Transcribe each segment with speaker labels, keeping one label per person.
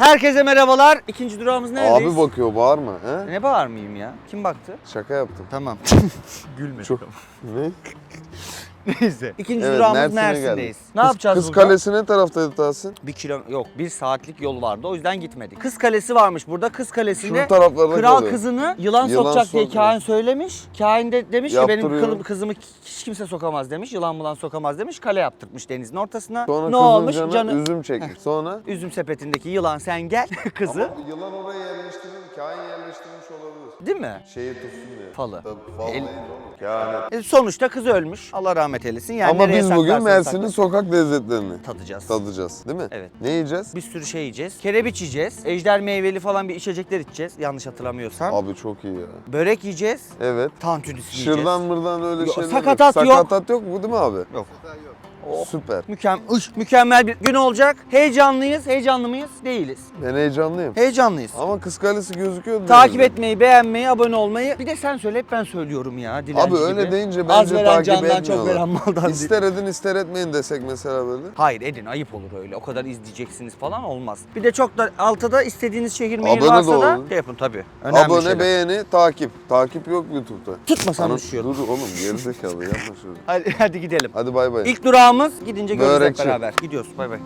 Speaker 1: Herkese merhabalar. İkinci durağımız neredeyiz?
Speaker 2: Abi bakıyor, bağırma. He?
Speaker 1: Ne bağırmayayım ya? Kim baktı?
Speaker 2: Şaka yaptım.
Speaker 1: Tamam. Gülme.
Speaker 2: Çok... Ne?
Speaker 1: Neyse. İkinci
Speaker 2: Evet,
Speaker 1: durağımız
Speaker 2: Mersin'e
Speaker 1: Mersin'deyiz.
Speaker 2: geldik.
Speaker 1: Ne yapacağız
Speaker 2: Kız
Speaker 1: burada?
Speaker 2: Kalesi ne taraftaydı Tahsin?
Speaker 1: 1 saatlik yol vardı. O yüzden gitmedik. Kız Kalesi varmış burada. Kız Kalesi'nde
Speaker 2: Şu taraflarda
Speaker 1: kral
Speaker 2: kalıyor.
Speaker 1: kızını yılan
Speaker 2: Yılan
Speaker 1: sokacak diye
Speaker 2: sokuyor.
Speaker 1: kahin söylemiş. Kahin de demiş ki benim
Speaker 2: Yaptırıyorum.
Speaker 1: kızımı hiç kimse sokamaz demiş. Yılan bulan sokamaz demiş. Kale yaptırmış denizin ortasına.
Speaker 2: Sonra
Speaker 1: Ne
Speaker 2: kızın
Speaker 1: olmuş?
Speaker 2: canı üzüm çekmiş. Sonra?
Speaker 1: Üzüm sepetindeki yılan sen gel kızı.
Speaker 2: Ama yılan oraya yerleştirilmiş, kahin yerleştirilmiş olabilir.
Speaker 1: Değil mi?
Speaker 2: Şeyi tutsun diye.
Speaker 1: Falı.
Speaker 2: Tabii fal
Speaker 1: El-
Speaker 2: değil oğlum. Kehanet.
Speaker 1: Sonuçta kız ölmüş. Allah rahmet eylesin. Yani
Speaker 2: Ama
Speaker 1: nereye
Speaker 2: biz bugün
Speaker 1: saklarsanız
Speaker 2: Mersin'in
Speaker 1: saklayın.
Speaker 2: sokak lezzetlerini
Speaker 1: Tadacağız.
Speaker 2: tadacağız, değil mi?
Speaker 1: Evet.
Speaker 2: Ne yiyeceğiz?
Speaker 1: Bir sürü şey yiyeceğiz. Kerebiç yiyeceğiz. Ejder meyveli falan bir içecekler içeceğiz. Yanlış hatırlamıyorsam.
Speaker 2: Abi çok iyi ya.
Speaker 1: Börek yiyeceğiz.
Speaker 2: Evet.
Speaker 1: Tantuni yiyeceğiz.
Speaker 2: Şırdan mırdan öyle
Speaker 1: Yok,
Speaker 2: şeyler
Speaker 1: sakatat yok.
Speaker 2: Sakatat yok mu değil mi abi?
Speaker 1: Yok.
Speaker 2: Süper.
Speaker 1: Mükemmel bir gün olacak. Heyecanlıyız. Heyecanlı mıyız? Değiliz.
Speaker 2: Ben heyecanlıyım.
Speaker 1: Heyecanlıyız.
Speaker 2: Ama Kız Kalesi gözüküyor.
Speaker 1: Takip etmeyi, beğenmeyi, abone olmayı. Bir de sen söyle, hep ben söylüyorum ya. Dilenci
Speaker 2: Abi öyle
Speaker 1: gibi.
Speaker 2: deyince
Speaker 1: Az
Speaker 2: bence
Speaker 1: veren
Speaker 2: takip
Speaker 1: candan çok
Speaker 2: etmiyorlar.
Speaker 1: veren maldan değil.
Speaker 2: İster edin ister etmeyin desek mesela böyle.
Speaker 1: Hayır edin, ayıp olur öyle. O kadar izleyeceksiniz falan olmaz. Bir de çok da altta istediğiniz şehir mehir
Speaker 2: Abone de
Speaker 1: varsa da
Speaker 2: olun.
Speaker 1: şey yapın tabii. Önemli
Speaker 2: Abone,
Speaker 1: şeyler.
Speaker 2: beğeni, takip. Takip yok YouTube'da.
Speaker 1: Tutmasan
Speaker 2: Anam,
Speaker 1: düşüyorum.
Speaker 2: dur oğlum gerizekalı yapma şöyle.
Speaker 1: Hadi gidelim.
Speaker 2: Hadi bay bay.
Speaker 1: İlk durağımız gidince görürüz hep
Speaker 2: Börekçi.
Speaker 1: beraber. Gidiyoruz bay bay.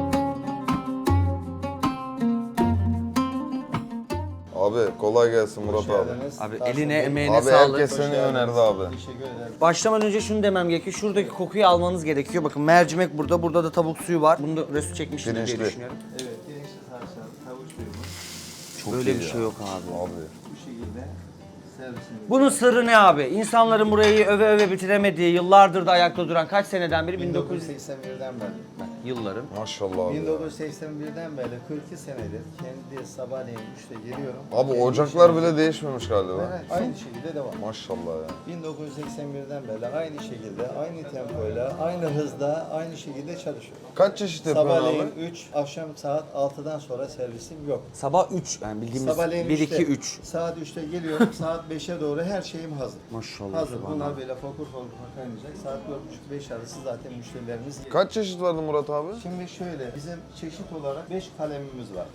Speaker 2: Abi kolay gelsin Murat abi.
Speaker 1: Abi eline emeğine
Speaker 2: Abi
Speaker 1: sağlık.
Speaker 2: herkes seni önerdi abi.
Speaker 1: Başlamadan önce şunu demem gerekiyor. Şuradaki kokuyu almanız gerekiyor. Bakın mercimek burada. Burada da tavuk suyu var. Bunu da resim çekmiştim diye
Speaker 2: Pirinçli.
Speaker 1: düşünüyorum.
Speaker 3: Evet, pirinçli sarımsak, tavuk suyumuz
Speaker 2: Çok
Speaker 1: Böyle
Speaker 2: iyi
Speaker 1: bir
Speaker 2: ya.
Speaker 1: şey yok abi.
Speaker 2: Abi.
Speaker 3: bu şekilde servisimiz.
Speaker 1: Bunun sırrı ne abi? İnsanların burayı öve öve bitiremediği, yıllardır da ayakta duran kaç seneden beri?
Speaker 3: 1981'den beri.
Speaker 1: Yılların.
Speaker 2: Maşallah abi.
Speaker 3: 1981'den beri 42 senedir kendi sabahleyin 3'te geliyorum.
Speaker 2: Abi
Speaker 3: Kendi
Speaker 2: ocaklar
Speaker 3: işimi-
Speaker 2: bile değişmemiş galiba.
Speaker 3: Evet, aynı şekilde devam.
Speaker 2: Maşallah ya.
Speaker 3: 1981'den beri aynı şekilde, aynı tempoyla, aynı hızda, aynı şekilde çalışıyorum.
Speaker 2: Kaç çeşit yapıyorsun
Speaker 3: Sabahleyin
Speaker 2: abi?
Speaker 3: 3, akşam saat 6'dan sonra servisim yok.
Speaker 1: Sabah 3. Yani bildiğimiz
Speaker 3: Sabahleyin
Speaker 1: 1, 2,
Speaker 3: 3'te,
Speaker 1: 3.
Speaker 3: saat 3'te geliyorum, saat 5'e doğru her şeyim hazır.
Speaker 1: Maşallah.
Speaker 3: Hazır.
Speaker 1: subhanallah.
Speaker 3: Bunlar böyle fokur fokur kaynayacak. Saat 4.30-5 arası zaten müşterilerimiz geliyor.
Speaker 2: Kaç çeşit vardı Murat abi?
Speaker 3: Şimdi şöyle, bizim çeşit olarak 5 kalemimiz var.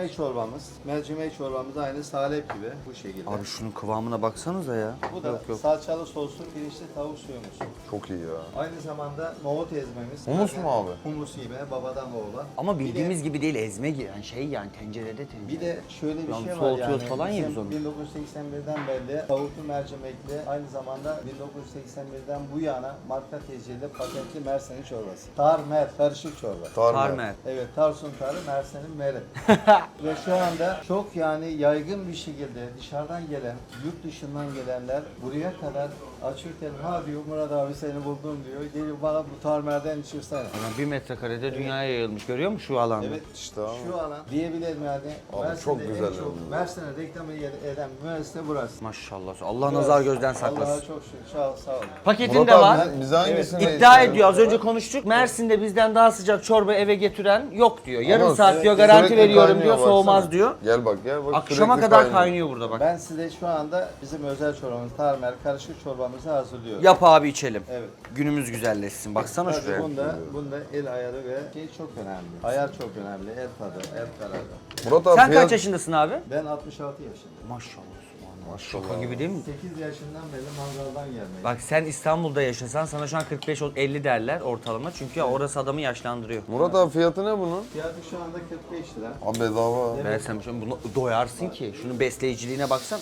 Speaker 3: Mercimek çorbamız aynı salep gibi bu şekilde.
Speaker 1: Abi şunun kıvamına baksanıza ya.
Speaker 3: Bu da
Speaker 1: Yok yok.
Speaker 3: salçalı soslu pirinçli tavuk suyumuz.
Speaker 2: Çok iyi ya.
Speaker 3: Aynı zamanda nohut ezmemiz.
Speaker 2: Humus mu abi?
Speaker 3: Humus gibi babadan oğula.
Speaker 1: Ama bildiğimiz gibi değil, ezme gibi. Yani şey yani tencerede tencere.
Speaker 3: Bir de şöyle bir
Speaker 1: Yani
Speaker 3: şey var
Speaker 1: soğutuyoruz
Speaker 3: yani.
Speaker 1: falan ya biz
Speaker 3: bizim
Speaker 1: onu.
Speaker 3: 1981'den beri tavuklu mercimekli, aynı zamanda 1981'den bu yana marka tecrübeli patentli Mersin'in çorbası. Tar-mer, karışık çorba.
Speaker 1: Tarmer.
Speaker 3: Evet, Tarsun tarı, Mersin'in meri. Ve şu anda çok yani yaygın bir şekilde dışarıdan gelen, yurt dışından gelenler buraya kadar açırken ha diyor Murat abi seni buldum diyor. Geliyor bana bu tarmerden içirsene.
Speaker 1: Yani 1 metrekarede dünyaya yayılmış. Görüyor musun şu alanda?
Speaker 3: Evet,
Speaker 2: İşte abi.
Speaker 3: şu alan diyebilirim yani.
Speaker 2: Abi
Speaker 3: Mersin'de
Speaker 2: çok
Speaker 3: en
Speaker 2: güzel
Speaker 3: çok
Speaker 2: oldu.
Speaker 3: Mersin'e reklamı eden üniversite burası.
Speaker 1: Maşallah. Allah nazar gözden
Speaker 3: Allah'a
Speaker 1: saklasın.
Speaker 3: çok şükür. Sağ olun.
Speaker 1: Paketinde
Speaker 2: Murat
Speaker 1: var.
Speaker 2: abi bize hangisini
Speaker 1: İddia ediyor. Az önce konuştuk. Mersin'de bizden daha sıcak çorba eve getiren yok diyor. Yarım saat diyor garanti
Speaker 2: Sürekli
Speaker 1: veriyorum
Speaker 2: kaynıyor,
Speaker 1: diyor.
Speaker 2: baksana.
Speaker 1: Soğumaz diyor.
Speaker 2: Gel bak gel bak.
Speaker 1: Akşama
Speaker 2: sürekli
Speaker 1: kadar kaynıyor burada bak.
Speaker 3: Ben size şu anda bizim özel çorbamız, tarmer, karışık çorbamızı hazırlıyorum.
Speaker 1: Yap abi içelim.
Speaker 3: Evet.
Speaker 1: Günümüz güzelleşsin. Baksana
Speaker 3: Tabii
Speaker 1: şuraya.
Speaker 3: bunda el ayarı ve şey çok önemli. Ayar çok önemli. El tadı, el kararı.
Speaker 2: Murat abi
Speaker 1: Sen
Speaker 2: fiyat...
Speaker 1: kaç yaşındasın abi?
Speaker 3: Ben 66 yaşındayım.
Speaker 1: Maşallah.
Speaker 2: Maşallah.
Speaker 1: Şaka gibi değil mi?
Speaker 3: 8 yaşından beri mangaldan gelmeyi.
Speaker 1: Bak sen İstanbul'da yaşasan sana şu an 45-50 derler ortalama. Çünkü orası adamı yaşlandırıyor.
Speaker 2: Murat abi fiyatı ne bunun?
Speaker 3: Fiyatı şu anda 45 lira.
Speaker 2: Abi bedava.
Speaker 1: Ben sen bunu doyarsın ki. Şunun besleyiciliğine baksan.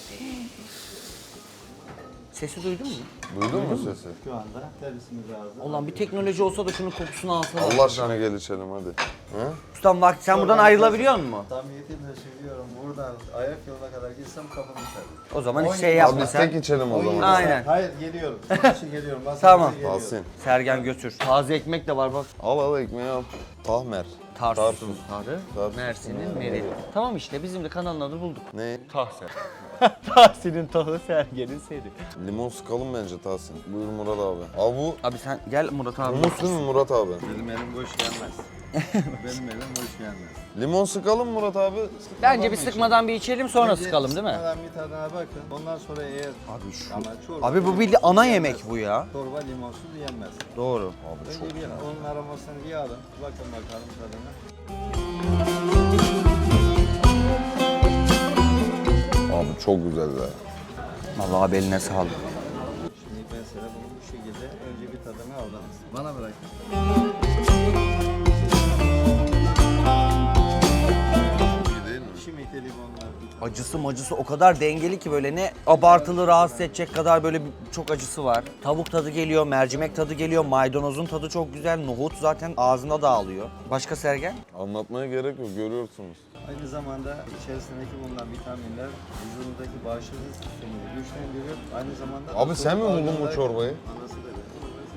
Speaker 1: Sesi duydun mu?
Speaker 2: Duydun mu sesi?
Speaker 3: Şu anda servisimiz hazır.
Speaker 1: Ulan bir teknoloji olsa da şunun kokusunu alsana.
Speaker 2: Allah aşkına gel içelim hadi. He?
Speaker 1: Ustam bak sen buradan ayrılabiliyor musun?
Speaker 3: Samimiyetimle söylüyorum. Buradan ayak yoluna kadar gitsem kapım içer.
Speaker 1: O zaman hiç
Speaker 3: Oy.
Speaker 1: şey
Speaker 2: Abi
Speaker 1: yapma
Speaker 2: biz
Speaker 1: sen.
Speaker 2: tek içelim o zaman.
Speaker 1: Aynen.
Speaker 3: Hayır geliyorum. Sizin için geliyorum. Masanıza
Speaker 1: Tamam.
Speaker 3: geliyorum.
Speaker 2: Tahsin.
Speaker 1: Sergen götür. Taze ekmek de var bak.
Speaker 2: Al ekmeği al. Tahmer.
Speaker 1: Tarsus'un tarı,
Speaker 2: Tarsus.
Speaker 1: Mersin'in meri. Tamam işte bizim de kanalın adını bulduk.
Speaker 2: Ne?
Speaker 1: Tahsin. Tahsin'in tahı, Sergen'in seri.
Speaker 2: Limon sıkalım bence Tahsin. Buyur Murat abi. Abi bu
Speaker 1: Abi sen gel Murat abi.
Speaker 2: humus değil mi Murat abi?
Speaker 3: Benim elim boş gelmez. Benim elim boş gelmez.
Speaker 2: Limon sıkalım Murat abi.
Speaker 1: Bence bir sıkmadan bir içelim sonra
Speaker 3: Önce
Speaker 1: sıkalım değil mi?
Speaker 3: sıkmadan bir tadına bakın. Ondan sonra eğer
Speaker 1: Abi şu.
Speaker 3: ama çorba,
Speaker 1: Abi bu bildiğin ana yemek bu ya.
Speaker 3: çorba limonsuz yenmez.
Speaker 1: Doğru.
Speaker 2: Abi
Speaker 3: Önce bir onun aromasını bir alın. Bakın bakalım tadına.
Speaker 2: Abi çok güzel be.
Speaker 1: Vallahi abi eline sağlık.
Speaker 3: Şimdi ben sana bunu bu şekilde önce bir tadını aldınız. Bana bırak.
Speaker 2: İyi değil mi?
Speaker 3: Şimdiki limonlar.
Speaker 1: Acısı macısı o kadar dengeli ki böyle ne abartılı rahatsız edecek kadar böyle çok acısı var. Tavuk tadı geliyor, mercimek tadı geliyor, maydanozun tadı çok güzel, nohut zaten ağzına dağılıyor. Başka Sergen?
Speaker 2: Anlatmaya gerek yok, görüyorsunuz.
Speaker 3: Aynı zamanda içerisindeki bulunan vitaminler vücudundaki bağışıklık sistemini güçlendiriyor. Aynı zamanda...
Speaker 2: Abi sen mi buldun bu çorbayı?
Speaker 3: Anası da öyle.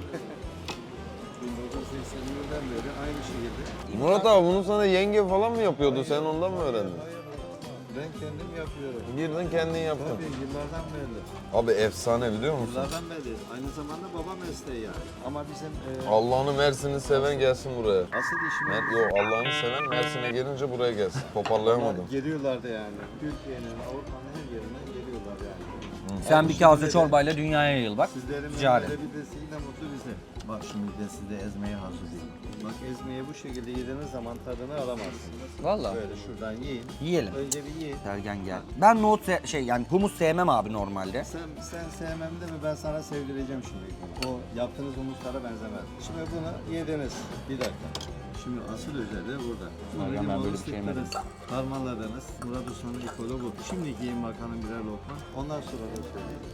Speaker 3: 1980'lerden beri aynı şekilde.
Speaker 2: Murat abi bunu sana yenge falan mı yapıyordu? Sen ondan mı öğrendin?
Speaker 3: Hayır, ben kendim yapıyorum.
Speaker 2: Girdin kendin yaptın.
Speaker 3: Tabii yıllardan beri.
Speaker 2: Abi efsane biliyor musun?
Speaker 3: Yıllardan beri. Aynı zamanda baba mesleği yani. Ama bizim
Speaker 2: Allah'ını Mersin'i seven gelsin buraya.
Speaker 3: asıl işimiz...
Speaker 2: Yok Allah'ını seven Mersin'e gelince buraya gelsin. Toparlayamadım.
Speaker 3: Geliyorlardı yani. Türkiye'nin, Avrupa'nın her yerinden geliyorlar yani.
Speaker 1: Sen bir kase çorbayla dünyaya yayıl bak.
Speaker 3: Sizlerin
Speaker 1: Ticaret.
Speaker 3: verebilmesiyle mutlu bize. Bak şimdi de size ezmeye hazır değil. Bak ezmeyi bu şekilde yediğiniz zaman tadını alamazsınız.
Speaker 1: Vallahi.
Speaker 3: Böyle şuradan yiyin.
Speaker 1: Yiyelim.
Speaker 3: Önce bir yiyin.
Speaker 1: Sergen gel. Ben nohut yani humus sevmem abi normalde.
Speaker 3: Sen sevmem de mi ben sana sevdireceğim şimdi. O yaptığınız humuslara benzemez. Şimdi bunu yediniz. Bir dakika. Şimdi asıl özelliği burada.
Speaker 1: Sergen, ben böyle bir şey yemedim.
Speaker 3: Harmanladınız. Murat Usta'nın ekolü bu. Şimdi yiyin bakalım birer lokma. Ondan sonra da söyleyeyim.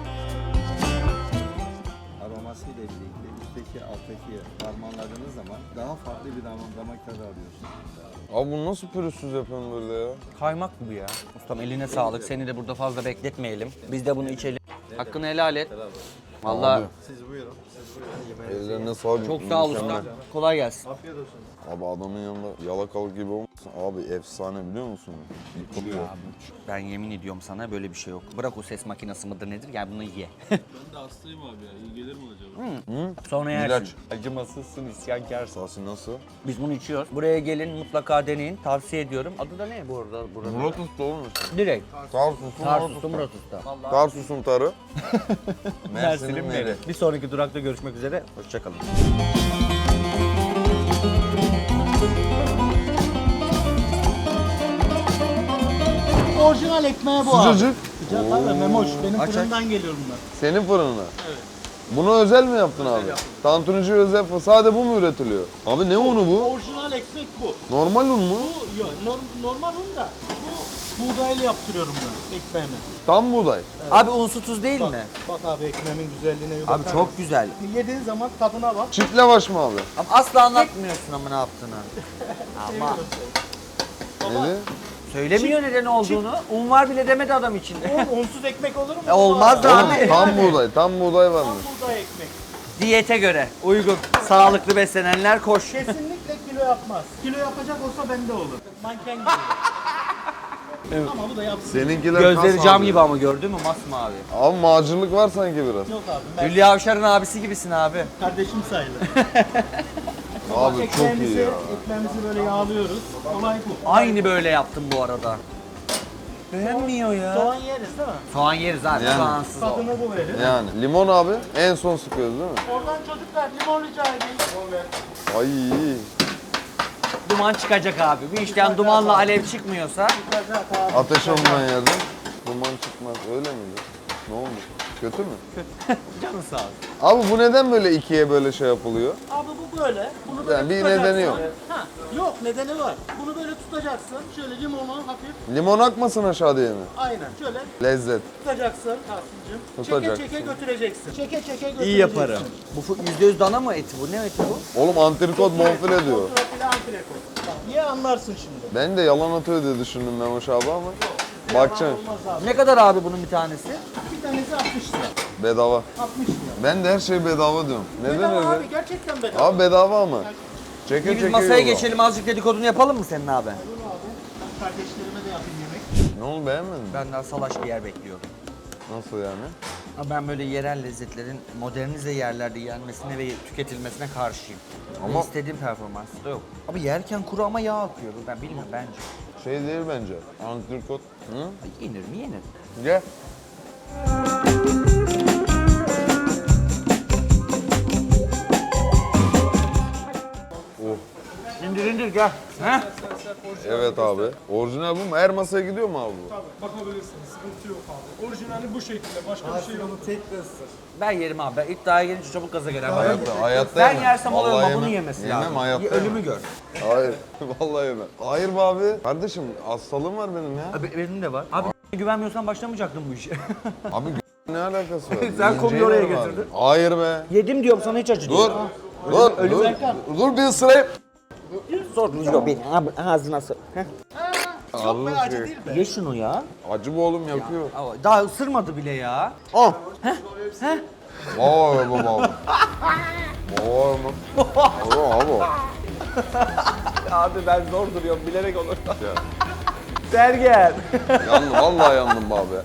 Speaker 3: Aromasıyla birlikte üstteki alttaki harmanladığınız zaman daha farklı bir damak tadı alıyorsunuz.
Speaker 2: Abi bunu nasıl pürüzsüz yapıyorsun böyle ya?
Speaker 1: Kaymak bu ya. Ustam eline sağlık. Seni de burada fazla bekletmeyelim. Biz de bunu içelim. Hakkını helal et. Vallahi
Speaker 3: Siz buyurun. Siz buyurun. Yemeğinizi yiyin.
Speaker 2: Ellerine sağlık.
Speaker 1: çok sağ ol
Speaker 2: mükemmel.
Speaker 1: usta. Kolay gelsin.
Speaker 3: Afiyet olsun.
Speaker 2: Abi adamın yanında yalakalık gibi olmasın. Abi efsane biliyor musun? Yıkılıyor.
Speaker 1: Ben yemin ediyorum sana böyle bir şey yok. Bırak o ses makinesi mıdır nedir gel bunu ye.
Speaker 4: Ben de hastayım abi ya. İyi gelir mi acaba?
Speaker 1: Sonra yersin.
Speaker 2: İlaç.
Speaker 1: Acımasızsın isyankarsın.
Speaker 2: Sasi nasıl?
Speaker 1: Biz bunu içiyoruz. Buraya gelin mutlaka deneyin. Tavsiye ediyorum. Adı da ne bu arada? Burada?
Speaker 2: Murat Usta olmuş.
Speaker 1: Direkt.
Speaker 2: Tarsus'un
Speaker 1: Tarsus'ta Murat Usta.
Speaker 2: Tarsus'un tarı.
Speaker 1: Mersin'in meri. Bir sonraki durakta görüşmek üzere. Hoşçakalın.
Speaker 5: Orijinal ekmeği bu abi.
Speaker 2: Sıcacık.
Speaker 5: Sıcak abi memoş. Benim
Speaker 1: Aç,
Speaker 5: fırından geliyor bunlar.
Speaker 2: Senin fırınına. Evet. Bunu özel mi yaptın abi? Tantunici özel fırın. Sadece bu mu üretiliyor? Abi ne unu bu?
Speaker 5: Orijinal ekmek bu.
Speaker 2: Normal un mu?
Speaker 5: Bu yok, normal un da bu buğdaylı yaptırıyorum ben ekmeğimi.
Speaker 2: Tam buğday.
Speaker 1: Abi unsu tuz değil mi?
Speaker 5: Bak abi ekmeğimin güzelliğine bir
Speaker 1: Abi
Speaker 5: bakar
Speaker 1: çok
Speaker 5: mısın?
Speaker 1: güzel.
Speaker 5: Yediğin zaman tadına bak.
Speaker 2: Çift lavaş mı abi?
Speaker 1: Ama asla anlatmıyorsun ama ne yaptığını. Ama
Speaker 2: Neydi?
Speaker 1: söylemiyor neden olduğunu. Un var bile demedi adam içinde.
Speaker 5: Unsuz ekmek olur mu?
Speaker 1: Olmaz da
Speaker 2: Oğlum
Speaker 1: abi.
Speaker 2: tam buğday varmış.
Speaker 5: Tam buğday ekmek.
Speaker 1: Diyete göre uygun. Sağlıklı beslenenler koş.
Speaker 5: Kesinlikle kilo yapmaz. Kilo yapacak olsa bende olur. Manken gibi. Ama bu da yapsın.
Speaker 2: Seninkiler
Speaker 1: Gözleri
Speaker 2: kas
Speaker 1: cam
Speaker 2: abi.
Speaker 1: gibi ama gördün mü masmavi.
Speaker 2: Abi macırlık var sanki biraz.
Speaker 5: Yok abi ben
Speaker 1: Hülya Avşar'ın abisi gibisin abi.
Speaker 5: kardeşim sayılır.
Speaker 2: Abi çok iyi
Speaker 5: Ekmeğimizi,
Speaker 2: ya.
Speaker 5: ekmeğimizi böyle yağlıyoruz. Olay bu.
Speaker 1: Aynı böyle yaptım bu arada. Beğenmiyor ya.
Speaker 5: Soğan yeriz değil mi?
Speaker 1: Soğan yeriz abi.
Speaker 2: Yani.
Speaker 1: Soğansız o.
Speaker 5: Tadını bu verir.
Speaker 2: Yani limon abi en son sıkıyoruz değil mi?
Speaker 5: Oradan çocuklar limon rica edeyim.
Speaker 2: Ay
Speaker 1: Duman çıkacak abi. Bir işten dumanla alev çıkmıyorsa
Speaker 2: ateş olmayan yerden duman çıkmaz öyle miydi? Ne oldu? Kötü mü?
Speaker 1: canı sağ olsun.
Speaker 2: Abi bu neden böyle ikiye böyle şey yapılıyor?
Speaker 5: Abi bu böyle. Bunu böyle
Speaker 2: Yani bir
Speaker 5: tutacaksın.
Speaker 2: nedeni yok.
Speaker 5: Ha, yok nedeni var. Bunu böyle tutacaksın. Şöyle limonu hafif.
Speaker 2: Limon akmasın aşağı diye mi?
Speaker 5: Aynen. Şöyle
Speaker 2: Lezzet.
Speaker 5: tutacaksın Tahsin'cim.
Speaker 2: Tutacaksın.
Speaker 5: Çeke çeke götüreceksin. Çeke çeke götüreceksin.
Speaker 1: İyi yaparım. Bu %100 dana mı eti bu? Ne eti bu?
Speaker 2: Oğlum antrikot bonfile diyor.
Speaker 5: Kontrafile antrikot. Bak niye anlarsın şimdi?
Speaker 2: Ben de yalan atıyor diye düşündüm Memoş abi ama bakacaksın
Speaker 5: Olmaz abi.
Speaker 1: Ne kadar abi bunun bir tanesi?
Speaker 5: Bir tanesi 60 lira.
Speaker 2: bedava.
Speaker 5: 60 lira.
Speaker 2: Ben de her şey bedava diyorum. Neden
Speaker 5: Bedava
Speaker 2: öyle?
Speaker 5: abi gerçekten bedava.
Speaker 2: Abi bedava ama. Çeke
Speaker 1: Biz
Speaker 2: çeke
Speaker 1: masaya
Speaker 2: yolla.
Speaker 1: geçelim azıcık dedikodunu yapalım mı senin abi?
Speaker 5: Dur abi. Ben kardeşlerime de yapayım yemek.
Speaker 2: Ne oldu beğenmedin mi?
Speaker 1: Ben daha salaş bir yer bekliyorum.
Speaker 2: Nasıl yani?
Speaker 1: Ama ben böyle yerel lezzetlerin modernize yerlerde yenmesine ve tüketilmesine karşıyım. Ama
Speaker 2: Ama-
Speaker 1: istediğim performansta yok. Abi yerken kuru ama yağ akıyor. Ben bilmiyorum bence.
Speaker 2: Şey değil bence. Antrikot. Hı?
Speaker 1: Ay, yenir mi yenir?
Speaker 2: Gel. Oh.
Speaker 1: İndir indir gel. Heh.
Speaker 2: Evet abi. Orijinal bu mu? Her masaya gidiyor mu abi bu?
Speaker 5: Tabii bakabilirsiniz. Sıkıntı yok abi. Orijinali bu şekilde. Başka bir şey yok.
Speaker 3: Bunu tek de ısır.
Speaker 1: Ben yerim abi. Ben iddiaya gelince çabuk gaza gelen.
Speaker 2: Hayatta
Speaker 1: Ben
Speaker 2: yemem.
Speaker 1: yersem olur
Speaker 2: Vallahi
Speaker 1: ama bunu
Speaker 2: yemem.
Speaker 1: yemesi
Speaker 2: Yemem,
Speaker 1: lazım.
Speaker 2: hayatta
Speaker 1: Ölümü
Speaker 2: yemem.
Speaker 1: gör.
Speaker 2: Hayır. Vallahi yemem. Hayır be abi. Kardeşim hastalığım var benim ya.
Speaker 1: Abi benim de var. Abi güvenmiyorsan başlamayacaktın bu işe.
Speaker 2: Abi ne alakası var?
Speaker 1: Sen konuyu
Speaker 2: İnceyi
Speaker 1: oraya
Speaker 2: ver abi.
Speaker 1: getirdin.
Speaker 2: Hayır be.
Speaker 1: Yedim diyorum sana hiç acı değil.
Speaker 2: Dur. Dur. Dur bir ısırayım.
Speaker 1: Sor bir ağzına sor.
Speaker 5: Çok be acı değil be.
Speaker 1: Ye şunu ya.
Speaker 2: Acı bu oğlum yapıyor.
Speaker 1: Daha ısırmadı bile ya.
Speaker 2: Ah. Vay baba. Vay mı? Abi.
Speaker 1: Abi ben zor duruyorum bilerek olur.
Speaker 2: Ya.
Speaker 1: Sergen.
Speaker 2: Yandım vallahi yandım be abi.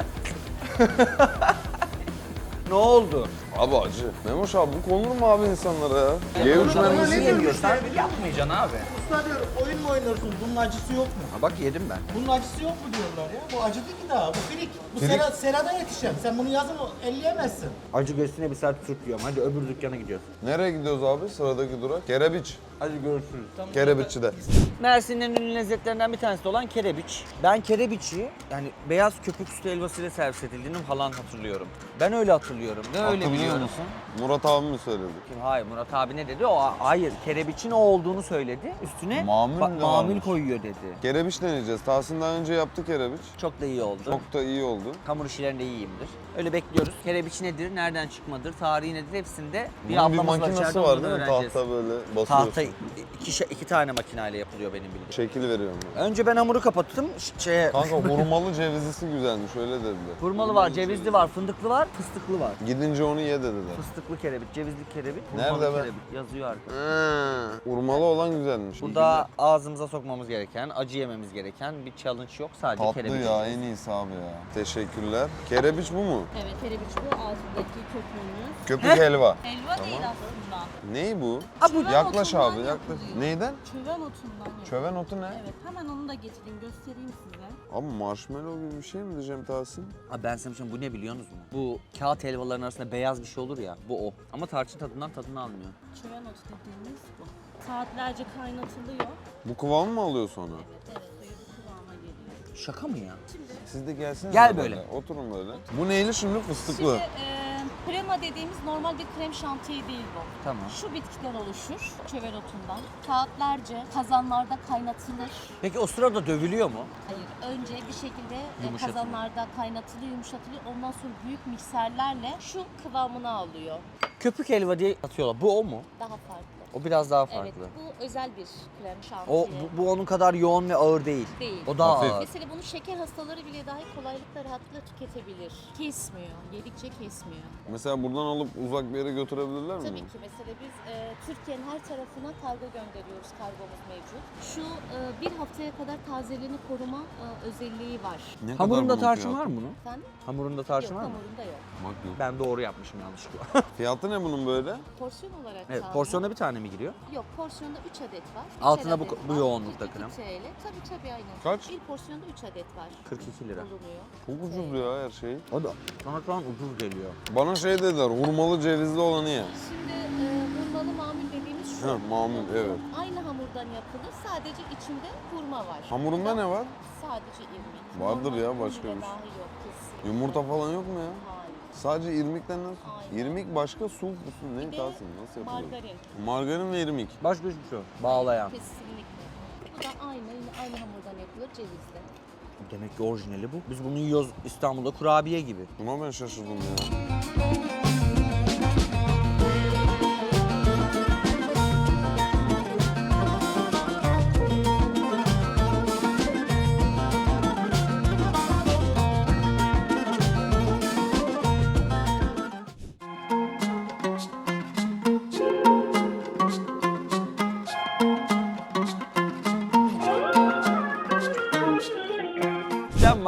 Speaker 1: Ne oldu?
Speaker 2: Abi acı. Memoş abi bu konur mu abi insanlara ya? G3 mermisi
Speaker 1: Niye yemiyorsan yapmayacaksın abi.
Speaker 5: Usta diyorum oyun mu oynuyorsun? Bunun acısı yok mu?
Speaker 1: Ha bak yedim ben.
Speaker 5: Bunun acısı yok mu diyorlar ya. Bu acı değil ki daha. Bu filik. Bu
Speaker 1: Filik.
Speaker 5: serada yetişen. Sen bunu yazın elleyemezsin.
Speaker 1: Acı göğsüne bir saat Türk yiyorum. Hadi öbür dükkana gidiyoruz.
Speaker 2: Nereye gidiyoruz abi? Sıradaki durak. Kerebiç.
Speaker 1: Hadi görüşürüz.
Speaker 2: Kerebiççi'de.
Speaker 1: Mersin'in en ünlü lezzetlerinden bir tanesi olan kerebiç. Ben kerebiçi yani beyaz köpük sütü helvasıyla servis edildiğini falan hatırlıyorum. Ben öyle hatırlıyorum. Ne öyle
Speaker 2: Hatırlıyor
Speaker 1: biliyorum.
Speaker 2: musun? Murat abi mi söyledi?
Speaker 1: Kim? Hayır Murat abi ne dedi? Hayır kerebiçin o olduğunu söyledi. Üstüne
Speaker 2: Mamul de
Speaker 1: mamul
Speaker 2: varmış.
Speaker 1: koyuyor dedi.
Speaker 2: Kerebiç deneyeceğiz. Tahsin daha önce yaptı kerebiç.
Speaker 1: Çok da iyi oldu.
Speaker 2: Çok da iyi oldu.
Speaker 1: Hamur işlerinde iyiyimdir. Öyle bekliyoruz. Kerebiç nedir, nereden çıkmadır, tarihi nedir hepsinde bir
Speaker 2: Bunun bir
Speaker 1: ablamız var
Speaker 2: makinesi
Speaker 1: içeride
Speaker 2: var
Speaker 1: onu
Speaker 2: değil mi?
Speaker 1: öğreneceğiz.
Speaker 2: Tahta böyle basıyorsun.
Speaker 1: Tahta iki tane makineyle yapılıyor benim bildiğim.
Speaker 2: Şekil veriyorum.
Speaker 1: Önce ben hamuru kapattım.
Speaker 2: Kanka hurmalı cevizlisi güzelmiş öyle dediler.
Speaker 1: Hurmalı var, cevizli var, fındıklı var, fıstıklı var.
Speaker 2: Gidince onu ye dediler.
Speaker 1: Fıstıklı kerebit, cevizli kerebit,
Speaker 2: Nerede
Speaker 1: hurmalı
Speaker 2: be?
Speaker 1: kerebit yazıyor arkada.
Speaker 2: Hurmalı olan güzelmiş.
Speaker 1: Burada ağzımıza sokmamız gereken, acı yememiz gereken bir challenge yok. Sadece
Speaker 2: Tatlı
Speaker 1: kerebit.
Speaker 2: ya en iyisi abi ya. Teşekkürler. Kerebiç bu mu?
Speaker 6: Evet, kerebiç bu. Altındaki köpüğümüz.
Speaker 2: Köpük helva.
Speaker 6: Helva değil aslında.
Speaker 2: Ney bu?
Speaker 6: Çöven
Speaker 2: Yaklaş
Speaker 6: otundan
Speaker 2: abi yaklaş.
Speaker 6: yapılıyor.
Speaker 2: Neyden?
Speaker 6: Çöven otundan yapılıyor.
Speaker 2: Çöven otu ne?
Speaker 6: Evet, hemen onu da getireyim, göstereyim size.
Speaker 2: Abi marshmallow gibi bir şey mi diyeceğim Tahsin?
Speaker 1: Abi ben sana bir şey bu ne biliyorsunuz mu? Bu kağıt helvaların arasında beyaz bir şey olur ya, bu o. Ama tarçın tadından tadını almıyor.
Speaker 6: Çöven otu dediğimiz bu. Saatlerce kaynatılıyor.
Speaker 2: Bu kıvamı mı alıyor sonra?
Speaker 6: Evet, suyu bu kıvama geliyor.
Speaker 1: Şaka mı ya?
Speaker 2: Siz de gelsenize.
Speaker 1: Gel böyle.
Speaker 2: Oturun böyle. Bu neyli şimdi fıstıklı?
Speaker 6: Şimdi krema dediğimiz normal bir krem şantiyi değil bu.
Speaker 1: Tamam.
Speaker 6: Şu bitkiden oluşur, çöven otundan. Saatlerce kazanlarda kaynatılır.
Speaker 1: Peki o sırada dövülüyor mu?
Speaker 6: Hayır, önce bir şekilde
Speaker 1: Yumuşatılıyor.
Speaker 6: kazanlarda kaynatılıyor, yumuşatılıyor. Ondan sonra büyük mikserlerle şu kıvamını alıyor.
Speaker 1: Köpük helva diye atıyorlar. Bu o mu?
Speaker 6: Daha farklı.
Speaker 1: O biraz daha farklı.
Speaker 6: Evet, bu özel bir krem şantiye.
Speaker 1: Bu onun kadar yoğun ve ağır değil.
Speaker 6: Değil.
Speaker 1: O daha
Speaker 2: Hafif.
Speaker 1: ağır.
Speaker 6: Mesela bunu şeker hastaları bile dahi kolaylıkla, rahatlıkla tüketebilir. Kesmiyor, yedikçe kesmiyor.
Speaker 2: Mesela buradan alıp uzak bir yere götürebilirler mi?
Speaker 6: Tabii ki mesela biz Türkiye'nin her tarafına kargo gönderiyoruz, kargomuz mevcut. Şu bir haftaya kadar tazeliğini koruma özelliği var.
Speaker 2: Ne kadar
Speaker 1: Hamurunda
Speaker 2: bunun
Speaker 1: tarçın
Speaker 2: fiyatı?
Speaker 1: var mı bunun?
Speaker 6: Efendim?
Speaker 1: Hamurunda
Speaker 6: Yok,
Speaker 1: tarçın var mı?
Speaker 6: hamurunda yok.
Speaker 2: Bak yok.
Speaker 1: Ben doğru yapmışım yanlışlıkla.
Speaker 2: Fiyatı ne bunun böyle?
Speaker 6: Porsiyon olarak
Speaker 1: Evet,
Speaker 6: sağlıyor.
Speaker 1: porsiyona bir tane mi giriyor?
Speaker 6: Yok, porsiyonda 3 adet var.
Speaker 1: Altında
Speaker 6: Üçer
Speaker 1: bu-
Speaker 6: adet
Speaker 1: bu
Speaker 6: var.
Speaker 1: yoğunlukta
Speaker 6: 42
Speaker 1: krem.
Speaker 6: TL. Tabii aynen.
Speaker 2: Kaç?
Speaker 6: Bir porsiyonda 3 adet var.
Speaker 1: 42 lira.
Speaker 6: Bulunuyor.
Speaker 2: Çok ucuz ya her şey.
Speaker 1: O da sana şu an ucuz geliyor.
Speaker 2: Bana şey dediler, hurmalı cevizli olanı ye.
Speaker 6: Şimdi hurmalı mamul dediğimiz şu.
Speaker 2: Ha, mamul, evet.
Speaker 6: Aynı hamurdan yapılır. Sadece içinde hurma var.
Speaker 2: Hamurunda ne var?
Speaker 6: Sadece irmik.
Speaker 2: Vardır ya,
Speaker 6: Normal
Speaker 2: başka
Speaker 6: hamurda
Speaker 2: bir şey.
Speaker 6: dahi yok kesin.
Speaker 2: Yumurta falan yok mu ya?
Speaker 6: Hayır.
Speaker 2: Sadece irmikten nasıl?
Speaker 6: Aynen.
Speaker 2: İrmik başka, su musun? Ne
Speaker 6: Bir de
Speaker 2: Tahsin? Nasıl yapılıyor?
Speaker 6: margarin.
Speaker 2: Margarin ve irmik.
Speaker 1: Başka hiçbir şey yok. Bağlayan.
Speaker 6: Kesinlikle. Bu da yine aynı hamurdan yapılır cevizli.
Speaker 1: Demek ki orijinali bu. Biz bunu yiyoruz İstanbul'da kurabiye gibi.
Speaker 2: Buna ben şaşırdım ya.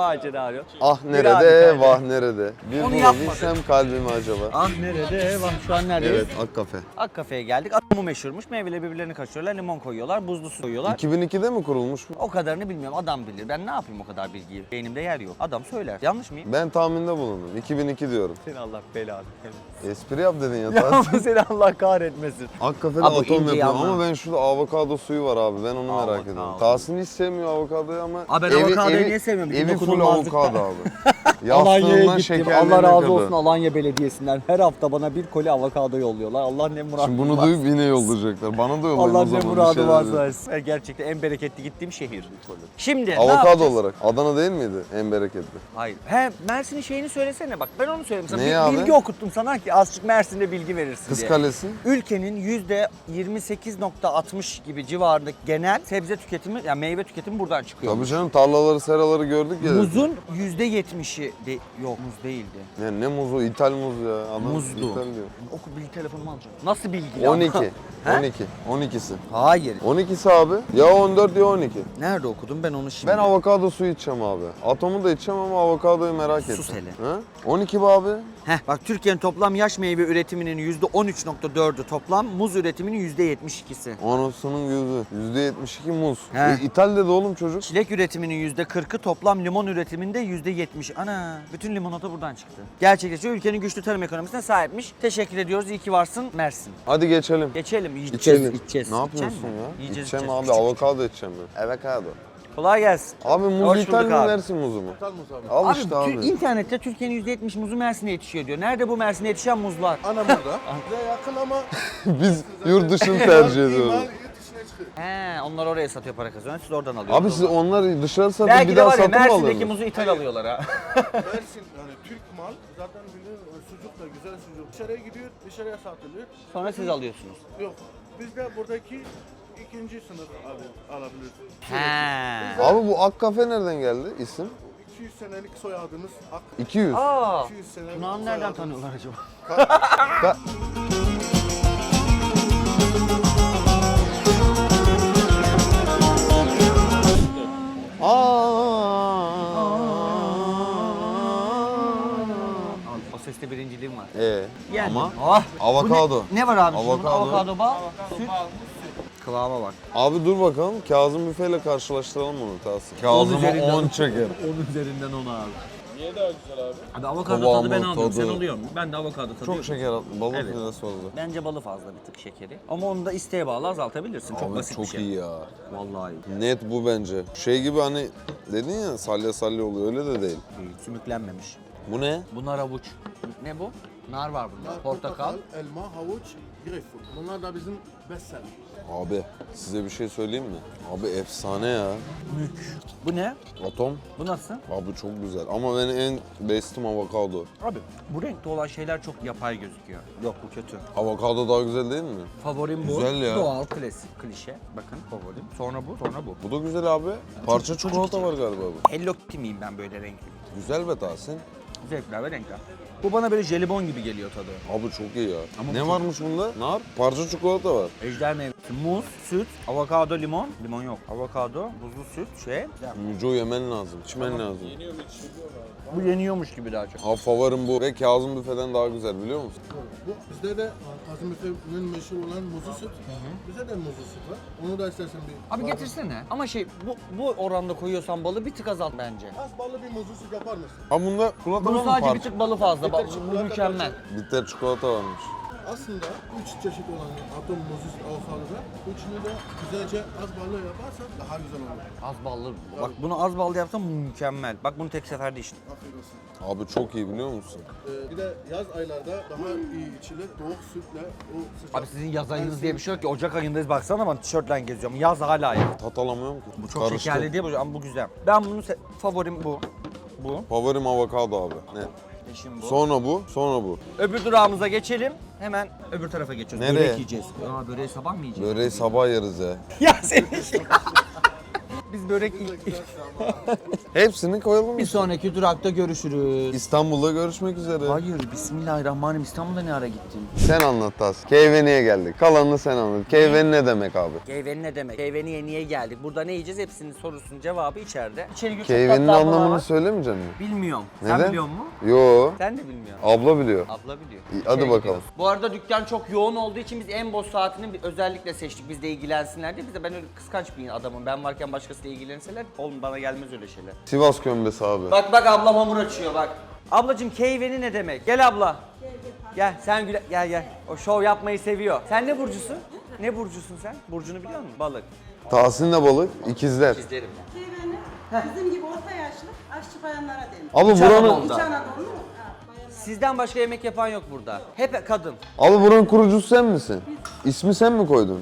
Speaker 1: macera.
Speaker 2: Ah
Speaker 1: Bir
Speaker 2: nerede,
Speaker 1: harikaydı.
Speaker 2: vah nerede? Bir
Speaker 1: Onu yapmadık.
Speaker 2: bulabilsem kalbimi acaba.
Speaker 1: Ah nerede? Bak şu an neredeyiz?
Speaker 2: Evet, Ak Kafe.
Speaker 1: Ak kafeye geldik. Adamı meşhurmuş. Meyveleri birbirlerini kaçırıyorlar. Limon koyuyorlar. Buzlu su koyuyorlar.
Speaker 2: 2002'de mi kurulmuş bu?
Speaker 1: O kadarını bilmiyorum. Adam bilir. Ben ne yapayım o kadar bilgiyi? Beynimde yer yok. Adam söyler. Yanlış mıyım?
Speaker 2: Ben tahminde bulundum. 2002 diyorum.
Speaker 1: Seni Allah belanı.
Speaker 2: Espri yap dedin ya.
Speaker 1: Ya
Speaker 2: Tahsin.
Speaker 1: seni Allah kahretmesin.
Speaker 2: Ak Kafe'de
Speaker 1: Abi o
Speaker 2: atom
Speaker 1: inceyi
Speaker 2: yapıyor
Speaker 1: anla.
Speaker 2: ama ben şurada avokado suyu var abi. Ben onu merak
Speaker 1: Avokado.
Speaker 2: ediyorum. Tahsin hiç sevmiyor avokadoyu ama
Speaker 1: Abi ben avokadoyu niye sevmiyorum?
Speaker 2: Evi full
Speaker 1: Dokunulmazlıkta.
Speaker 2: avokado abi.
Speaker 5: Alanya'ya
Speaker 2: Yastığından
Speaker 5: gittim.
Speaker 2: şekerlerine
Speaker 5: Allah razı
Speaker 2: kadar.
Speaker 5: olsun Alanya Belediyesi'nden. Her hafta bana bir koli avokado yolluyorlar. Allah ne muradı
Speaker 2: Şimdi bunu
Speaker 5: varsa.
Speaker 2: duyup yine yollayacaklar. Bana da yollayın
Speaker 5: Allah
Speaker 2: o
Speaker 5: ne
Speaker 2: zaman. bir
Speaker 5: muradı
Speaker 2: şeyler
Speaker 5: varsa
Speaker 2: diye.
Speaker 5: versin.
Speaker 1: Gerçekten en bereketli gittiğim şehir. Şimdi ne
Speaker 2: Avokado
Speaker 1: yapacağız?
Speaker 2: olarak. Adana değil miydi en bereketli?
Speaker 1: Hayır. He Mersin'in şeyini söylesene bak. Ben onu söyleyeyim sana.
Speaker 2: Neyi
Speaker 1: Bir
Speaker 2: abi?
Speaker 1: bilgi okuttum sana ki azıcık Mersin'de bilgi verirsin
Speaker 2: Kız
Speaker 1: diye.
Speaker 2: Kalesi.
Speaker 1: Ülkenin %28.60 gibi civarındaki genel sebze tüketimi, yani meyve tüketimi buradan çıkıyor.
Speaker 2: Tabii canım tarlaları seraları gördük ya.
Speaker 1: Muzun %70'i yok muz değildi.
Speaker 2: Ya ne muzu? İthal muz ya. Adam
Speaker 1: Muzdu.
Speaker 2: İthal diyor.
Speaker 1: Oku bilgi telefonumu alacağım. Nasıl bilgi?
Speaker 2: 12.
Speaker 1: He?
Speaker 2: 12. 12'si.
Speaker 1: Hayır.
Speaker 2: 12'si abi. Ya 14 ya 12.
Speaker 1: Nerede okudum ben onu şimdi?
Speaker 2: Ben avokado suyu içeceğim abi. Atomu da içeceğim ama avokadoyu merak ettim.
Speaker 1: Sus hele.
Speaker 2: Ha? 12 be abi.
Speaker 1: Bak Türkiye'nin toplam yaş meyve üretiminin %13.4'ü toplam, muz üretiminin %72'si.
Speaker 2: Anasının gözü. %72 muz.
Speaker 1: He.
Speaker 2: İthal dedi oğlum çocuk.
Speaker 1: Çilek üretiminin %40'ı, toplam limon üretiminde %70. Ana, bütün limonata buradan çıktı. Gerçekleşiyor. Ülkenin güçlü tarım ekonomisine sahipmiş. Teşekkür ediyoruz. İyi ki varsın Mersin.
Speaker 2: Hadi geçelim.
Speaker 1: Geçelim. İçeceğiz.
Speaker 2: İçelim.
Speaker 1: İçeceğiz.
Speaker 2: Ne yapıyorsun
Speaker 1: İçecek mi?
Speaker 2: ya?
Speaker 1: Yiyeceğiz,
Speaker 2: İçeceğim
Speaker 1: içeceğiz.
Speaker 2: abi. Avokado içeceğim ben. Avokado.
Speaker 1: Kolay gelsin.
Speaker 2: Abi
Speaker 1: Hoş
Speaker 2: muz İthal
Speaker 1: bulduk
Speaker 2: mi
Speaker 1: abi.
Speaker 2: Mersin muzu mu? İthal muz abi. Al
Speaker 1: Abi,
Speaker 2: işte abi.
Speaker 1: internette Türkiye'nin %70 muzu Mersin'e yetişiyor diyor. Nerede bu Mersin'e yetişen muzlar?
Speaker 7: Ana burada. Bize yakın ama
Speaker 2: Biz yurt dışını tercih ediyoruz.
Speaker 7: imal yurt dışına çıkıyor.
Speaker 1: Onlar oraya satıyor, para kazanıyor. Siz oradan alıyorsunuz.
Speaker 2: Abi siz onları dışarı satıp
Speaker 1: belki
Speaker 2: bir
Speaker 1: de
Speaker 2: daha
Speaker 1: var ya
Speaker 2: satın mı
Speaker 1: Mersin'deki
Speaker 2: alıyorsunuz?
Speaker 1: muzu ithal alıyorlar ha.
Speaker 7: Mersin yani Türk mal zaten biliyorsun sucuk da güzel sucuk. Dışarıya gidiyor, dışarıya satılıyor.
Speaker 1: Sonra siz alıyorsunuz.
Speaker 7: Yok. Biz de buradaki ikinci sınıf alabiliriz.
Speaker 1: He.
Speaker 2: Abi bu Ak Kafe nereden geldi isim?
Speaker 7: 200 senelik soyadımız Ak.
Speaker 2: 200.
Speaker 1: Aa.
Speaker 7: 200 senelik
Speaker 1: Tunağını nereden
Speaker 7: soyadımız.
Speaker 1: tanıyorlar acaba? O seste birinciliğim var. Yani.
Speaker 2: Ama
Speaker 1: Ah,
Speaker 2: avokado.
Speaker 1: bu ne var abi? Şunun
Speaker 2: Avokado.
Speaker 1: Avokado bal, süt. Kıvama bak.
Speaker 2: Abi dur bakalım Kazım Büfe'yle karşılaştıralım bunu Tahsin. Kazım'a
Speaker 1: üzerinden-
Speaker 2: 10 çeker.
Speaker 1: Onun üzerinden 10 abi.
Speaker 4: Niye daha güzel abi?
Speaker 1: Abi avokado
Speaker 2: Kıvamı,
Speaker 1: tadı ben almıyorum.
Speaker 2: tadı.
Speaker 1: Sen alıyor musun? Ben de avokado tadı
Speaker 2: Çok
Speaker 1: yok.
Speaker 2: şeker attı. Balık
Speaker 1: Evet.
Speaker 2: evet. oldu.
Speaker 1: Bence balı fazla bir tık şekeri. Ama onu da isteğe bağlı azaltabilirsin. Çok
Speaker 2: Abi
Speaker 1: basit
Speaker 2: çok
Speaker 1: bir şey.
Speaker 2: iyi ya.
Speaker 1: Vallahi iyi.
Speaker 2: Net bu bence. Şey gibi hani dedin ya salya salya oluyor öyle de değil.
Speaker 1: Sümüklenmemiş.
Speaker 2: Bu ne?
Speaker 1: Bunlar avuç. Ne bu? Nar var bunda. Portakal.
Speaker 7: elma, havuç, greyfurt. Bunlar da bizim bestseller.
Speaker 2: Abi size bir şey söyleyeyim mi? Abi efsane ya.
Speaker 1: Bu ne?
Speaker 2: Atom.
Speaker 1: Bu nasıl?
Speaker 2: Abi çok güzel ama benim en bestim avokado.
Speaker 1: Abi bu renkte olan şeyler çok yapay gözüküyor. Yok bu kötü.
Speaker 2: Avokado daha güzel değil mi?
Speaker 1: Favorim bu.
Speaker 2: Güzel ya.
Speaker 1: Doğal, klasik, klişe. Bakın favorim. Sonra bu, sonra bu.
Speaker 2: Bu da güzel abi. Parça çikolata var galiba bu.
Speaker 1: Hello Kitty miyim ben böyle renkli?
Speaker 2: Güzel be Tahsin.
Speaker 1: Zevkler ve renkler. Bu bana böyle jelibon gibi geliyor tadı.
Speaker 2: Abi çok iyi ya.
Speaker 1: Ama
Speaker 2: ne
Speaker 1: çok-
Speaker 2: varmış bunda? Nar, parça çikolata var.
Speaker 1: Ejder meyvesi, muz, süt, avokado, limon. Limon yok. Avokado, buzlu süt,
Speaker 2: Müco yemen lazım, içmen lazım.
Speaker 1: Bu yeniyormuş gibi daha çok.
Speaker 2: Abi favorim bu ve Kazım Büfe'den daha güzel biliyor musun?
Speaker 7: Bu bizde de Kazım Efe'nin meşhur olan muzlu süt. Bize de muzlu süt var. Onu da istersen bir...
Speaker 1: Abi getirsene. Ama bu oranda koyuyorsan balı bir tık azalt bence.
Speaker 7: Az ballı bir muzlu süt yapar mısın?
Speaker 2: Ha bunda çikolata var
Speaker 1: Bunun
Speaker 2: mı?
Speaker 1: sadece bir tık balı fazla.
Speaker 7: Bitter
Speaker 1: Bu
Speaker 7: çikolata
Speaker 1: mükemmel.
Speaker 2: Bitter çikolata varmış.
Speaker 7: Aslında 3 çeşit olan atom muzlu süt avokadoda üçünü de güzelce az ballı yaparsan daha güzel olur.
Speaker 1: Az ballı. Bak bunu az ballı yapsam mükemmel. Bak bunu tek seferde içtim.
Speaker 7: Afiyet olsun.
Speaker 2: Abi çok iyi biliyor musun?
Speaker 7: Bir de yaz aylarda daha iyi içilir. Soğuk sütle o sıcak.
Speaker 1: Abi sizin yaz ayınız diye bir şey yok ki. Ocak ayındayız baksana ben tişörtle geziyorum. Yaz hala ya.
Speaker 2: Tat alamıyorum ki.
Speaker 1: Bu çok şekerli değil bu ama bu güzel. Ben bunu favorim bu. Bu.
Speaker 2: Favorim avokado abi. Ne?
Speaker 1: Eşim bu.
Speaker 2: Sonra bu, sonra bu.
Speaker 1: Öbür durağımıza geçelim. Hemen öbür tarafa geçiyoruz.
Speaker 2: Nereye?
Speaker 1: Börek yiyeceğiz. Aa böreği sabah mı yiyeceğiz?
Speaker 2: Böreği sabah yeriz ya.
Speaker 1: Ya senin Biz börek
Speaker 2: Hepsini koyalım mı?
Speaker 1: Bir sonraki durakta görüşürüz.
Speaker 2: İstanbul'da görüşmek üzere.
Speaker 1: Hayır, bismillahirrahmanirrahim. İstanbul'da ne ara gittin?
Speaker 2: Sen anlat Tahsin. Keyveni'ye geldik. Kalanını sen anlat. Keyveni ne demek abi?
Speaker 1: Keyveni ne demek? Keyveni'ye niye geldik? Burada ne yiyeceğiz? Hepsinin sorusunun cevabı içeride. İçeri gir, çok
Speaker 2: Keyvenin
Speaker 1: tatlı ablalar
Speaker 2: anlamını
Speaker 1: var.
Speaker 2: söylemeyecek misin?
Speaker 1: Bilmiyorum.
Speaker 2: Neden?
Speaker 1: Sen biliyor musun?
Speaker 2: Yo.
Speaker 1: Sen de bilmiyorsun.
Speaker 2: Abla biliyor.
Speaker 1: Abla biliyor.
Speaker 2: İyi, hadi
Speaker 1: İçeri
Speaker 2: bakalım.
Speaker 1: gidiyoruz. Bu arada dükkan çok yoğun olduğu için biz en boş saatini özellikle seçtik. Biz de ilgilensinler diye. Biz de ben öyle kıskanç bir adamım. Ben varken başkasıyla ilgilenseler oğlum bana gelmez öyle şeyler.
Speaker 2: Sivas kömbesi abi.
Speaker 1: Bak ablam hamur açıyor bak. Ablacığım keyveni ne demek? Gel abla. Gel sen gel. O şov yapmayı seviyor. Sen ne burcusun? Ne burcusun sen? Burcunu biliyor musun? Balık.
Speaker 2: Tahsin de balık, ikizler.
Speaker 1: İzlerim.
Speaker 8: Keyveni bizim gibi orta yaşlı aşçı bayanlara denir.
Speaker 2: Abi
Speaker 1: İç
Speaker 2: buranın,
Speaker 1: Anadolu'da.
Speaker 8: İç Anadolu mu? Ha, bayanlar.
Speaker 1: Sizden başka yemek yapan yok burada. Hep kadın.
Speaker 2: abi buranın kurucusu sen misin? İsmi sen mi koydun?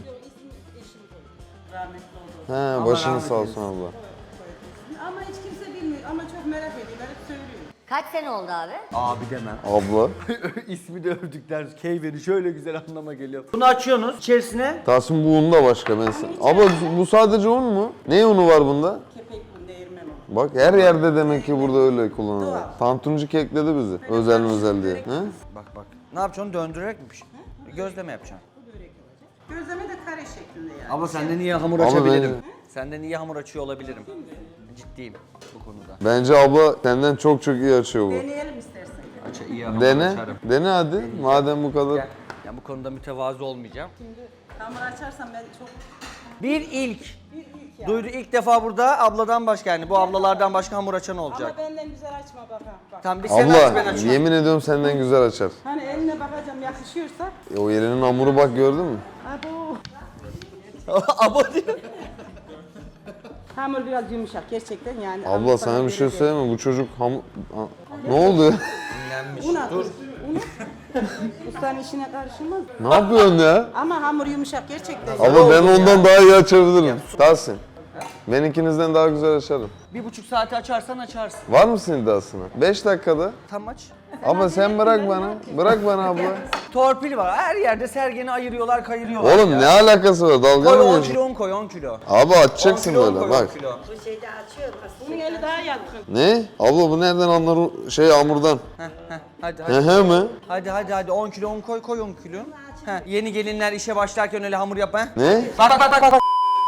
Speaker 8: Rahmetli oldu.
Speaker 2: He, başını sağ olsun abla.
Speaker 8: Ama hiç kimse bilmiyor ama çok merak ediyorlar, hep söylüyor.
Speaker 9: Kaç sene oldu abi?
Speaker 1: Abi demem.
Speaker 2: Abla.
Speaker 1: İsmi de övdükler. Keyveni şöyle güzel anlama geliyor. Bunu açıyorsunuz içerisine.
Speaker 2: Tahsin bu un da başka ben sana. Abla bu sadece un mu? Ne unu var bunda?
Speaker 8: Kepek bu, değirmen o.
Speaker 2: Bak her yerde demek ki burada öyle kullanılıyor. Tantuncu kekledi bizi. Özel diye. He?
Speaker 1: Bak. Ne yapacaksın? Döndürerek mi pişir? Gözleme yapacaksın.
Speaker 8: Gözleme de kare şeklinde yani.
Speaker 1: Abla senden iyi hamur
Speaker 2: Ama
Speaker 1: açabilirim. Senden iyi hamur açıyor olabilirim. Ciddiyim bu konuda.
Speaker 2: Bence abla senden çok iyi açıyor bu.
Speaker 8: Deneyelim istersen.
Speaker 1: İyi hamur
Speaker 2: Dene.
Speaker 1: açarım.
Speaker 2: Dene hadi. Madem bu kadar.
Speaker 1: Gel. Ya bu konuda mütevazı olmayacağım.
Speaker 8: Hamur açarsam ben çok...
Speaker 1: Bir ilk.
Speaker 8: Bir ilk ya.
Speaker 1: Duydu ilk defa burada abladan başka yani bu ablalardan başka hamur açan olacak.
Speaker 8: Ama benden güzel açma bak ha. Bak.
Speaker 1: Tamam bir sen aç ben
Speaker 2: Abla
Speaker 1: açayım.
Speaker 2: yemin ediyorum senden güzel açar.
Speaker 8: Hani eline bakacağım yakışıyorsa.
Speaker 2: O yerinin hamuru bak gördün mü?
Speaker 8: Abo.
Speaker 1: Abla diyor.
Speaker 8: Hamur biraz yumuşak gerçekten yani.
Speaker 2: Abla sana bir şey söyleyeyim mi? Bu çocuk hamur... Ne oldu?
Speaker 8: Un at. Dur. Un. Ustanın işine karışılmaz.
Speaker 2: Ne yapıyorsun ya?
Speaker 8: Ama hamur yumuşak gerçekten.
Speaker 2: Abla ben ondan daha iyi açabilirim. Tahsin. Ben ikinizden daha güzel açarım.
Speaker 1: 1,5 saati açarsan açarsın.
Speaker 2: Var mısın iddiasına? 5 dakikada.
Speaker 1: Tam aç.
Speaker 2: Abla sen bırak bana. Bırak bana abla.
Speaker 1: Torpil var. Her yerde sergeni ayırıyorlar, kayırıyorlar
Speaker 2: Oğlum
Speaker 1: ya.
Speaker 2: ne alakası var? Dalga
Speaker 1: Koy
Speaker 2: mı
Speaker 1: 10
Speaker 2: geçiyorsun?
Speaker 1: kilo un koy 10 kilo.
Speaker 2: Abi
Speaker 1: 10
Speaker 2: açacaksın
Speaker 1: kilo un
Speaker 2: böyle
Speaker 1: koy,
Speaker 2: bak.
Speaker 1: 10 kilo.
Speaker 8: Bu şeyde açıyor. Bunun eli daha yatkın.
Speaker 2: Ne? Abla bu nereden anlar hamurdan?
Speaker 1: Hadi
Speaker 2: He mi?
Speaker 1: Hadi 10 kilo un koy 10 kilo. Yeni gelinler işe başlarken öyle hamur yap ha.
Speaker 2: Ne?
Speaker 1: Bak.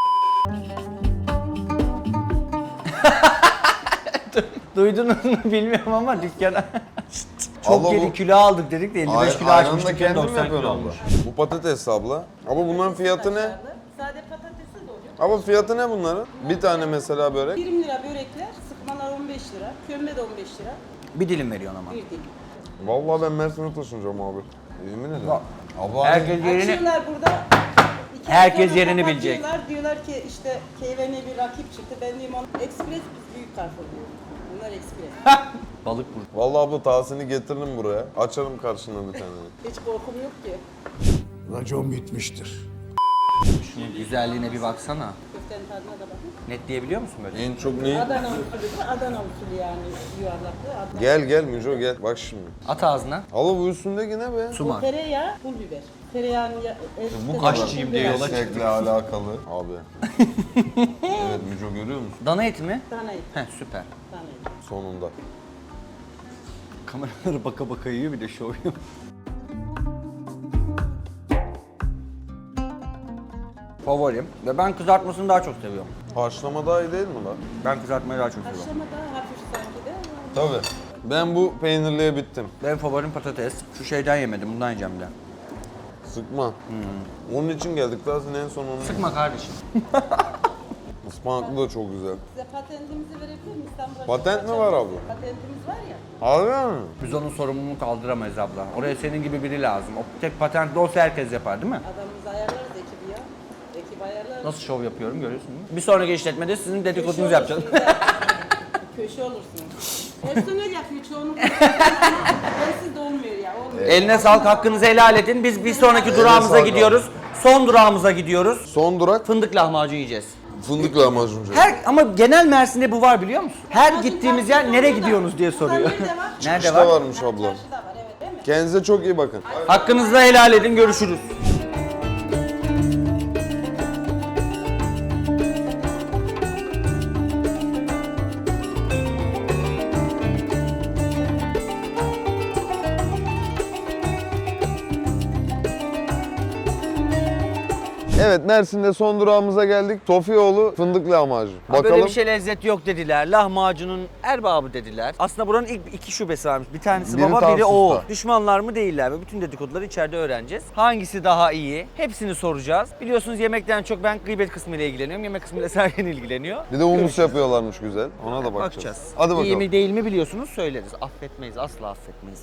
Speaker 1: Duydunuz mu bilmiyorum ama dükkana. Çok
Speaker 2: Abla
Speaker 1: geri
Speaker 2: bu-
Speaker 1: kilo aldık dedik de 55 kilo
Speaker 2: Ayranı da
Speaker 1: açmıştık.
Speaker 2: kendin mi
Speaker 1: 90 kilo
Speaker 2: yapıyorsun
Speaker 1: olmuş.
Speaker 2: abla? Bu patates abla. Ama bunların fiyatı ne?
Speaker 8: Sade patatesi de oluyor.
Speaker 2: Abla fiyatı ne bunların? Bir tane mesela börek.
Speaker 8: 20 lira börekler, sıkmalar 15 lira, kömbe de 15 lira,
Speaker 1: Bir dilim veriyorsun ama.
Speaker 8: bir dilim.
Speaker 2: Vallahi ben Mersin'e taşınacağım abi. Yemin ederim. Abla
Speaker 1: Herkes yerini...
Speaker 8: Açıyorlar burada. iki
Speaker 1: Herkes
Speaker 8: ay sonra
Speaker 1: yerini bilecek.
Speaker 8: kapatıyorlar. Diyorlar ki işte KVN bir rakip çıktı. Ben diyeyim ona Express biz büyük Carrefour diyoruz. Bunlar Express.
Speaker 1: Balık burada.
Speaker 2: Vallahi abla Tahsin'i getiririm buraya. Açarım karşına bir tane.
Speaker 8: Hiç korkum yok ki.
Speaker 7: Racon bitmiştir.
Speaker 1: Şunun güzelliğine bir baksana.
Speaker 8: Köftenin tadına da bakın.
Speaker 1: Net diyebiliyor musun böyle?
Speaker 2: En çok ne?
Speaker 8: Adana usulü, Adana usulü yani yuvarlaklı.
Speaker 2: Gel Müco gel. Bak şimdi.
Speaker 1: At ağzına.
Speaker 2: Abla bu üstündeki ne be?
Speaker 1: Su var.
Speaker 8: Tereyağı, pul biber. Tereyağının
Speaker 1: Bu aşçıyım diye yola çıktı.
Speaker 2: Meslekle alakalı. Abi. Evet Müco görüyor musun?
Speaker 1: Dana eti mi?
Speaker 8: Dana eti,
Speaker 1: Heh süper.
Speaker 8: dana eti.
Speaker 2: Sonunda.
Speaker 1: Kameraları baka yiyor bir de şov yapıyor. Favorim ve ben kızartmasını daha çok seviyorum.
Speaker 2: Haşlama daha iyi değil mi lan?
Speaker 1: Ben kızartmayı daha çok seviyorum.
Speaker 8: Haşlama daha hafif sanki de.
Speaker 2: Tabii. Ben bu peynirliye bittim.
Speaker 1: Benim favorim patates. Şu şeyden yemedim, bundan yiyeceğim de.
Speaker 2: Sıkma. Onun için geldik. Tahsin en son onu.
Speaker 1: Sıkma kardeşim.
Speaker 2: Ispanaklı da çok güzel.
Speaker 8: Size patentimizi verebilir miyim? İstanbul'a
Speaker 2: Patent mi var abla?
Speaker 8: Patentimiz var ya.
Speaker 2: Harbi mi?
Speaker 1: Biz onun sorumluluğunu kaldıramayız abla. Oraya senin gibi biri lazım. O tek patentli olsa herkes yapar değil mi?
Speaker 8: Adamımızı ayarlarız ekibi ya. Ekip ayarlarız.
Speaker 1: Nasıl şov yapıyorum görüyorsun değil mi? Bir sonraki işletmede sizin dedikodunuzu yapacağız.
Speaker 8: Köşe olursunuz. Personel yapıyor çoğunlukla. Bensiz de olmuyor ya. Olmuyor.
Speaker 1: Eline sağlık, hakkınızı helal edin. Biz bir sonraki durağımıza
Speaker 2: sağlık
Speaker 1: gidiyoruz. Son durağımıza gidiyoruz.
Speaker 2: Son durak
Speaker 1: Fındık lahmacun yiyeceğiz.
Speaker 2: fındık lahmacuncu.
Speaker 1: Ama genel Mersin'de bu var biliyor musun? Her gittiğimiz yer nereye gidiyorsunuz diye soruyor.
Speaker 8: Nerede var?
Speaker 1: Nerede
Speaker 2: İşte
Speaker 1: var?
Speaker 2: varmış abla.
Speaker 8: Çarşıda var evet değil mi?
Speaker 2: Kendinize çok iyi bakın.
Speaker 1: Hakkınızı helal edin, görüşürüz.
Speaker 2: Evet, Mersin'de son durağımıza geldik. Sofyaoğlu fındık lahmacun.
Speaker 1: Ha,
Speaker 2: Bakalım.
Speaker 1: böyle bir şey lezzet yok dediler. Lahmacunun erbabı dediler. Aslında buranın ilk 2 şubesi varmış. Bir tanesi
Speaker 2: Biri
Speaker 1: baba, biri
Speaker 2: Tarsus'ta.
Speaker 1: oğul. Düşmanlar mı değiller mi? Bütün dedikoduları içeride öğreneceğiz. Hangisi daha iyi? Hepsini soracağız. Biliyorsunuz yemekten çok ben gıybet kısmıyla ilgileniyorum. Yemek kısmıyla Sergen ilgileniyor.
Speaker 2: Bir de humus yapıyorlarmış güzel. Ona da bakacağız. Hadi bakalım.
Speaker 1: İyi mi değil mi biliyorsunuz söyleriz. Affetmeyiz, asla affetmeyiz.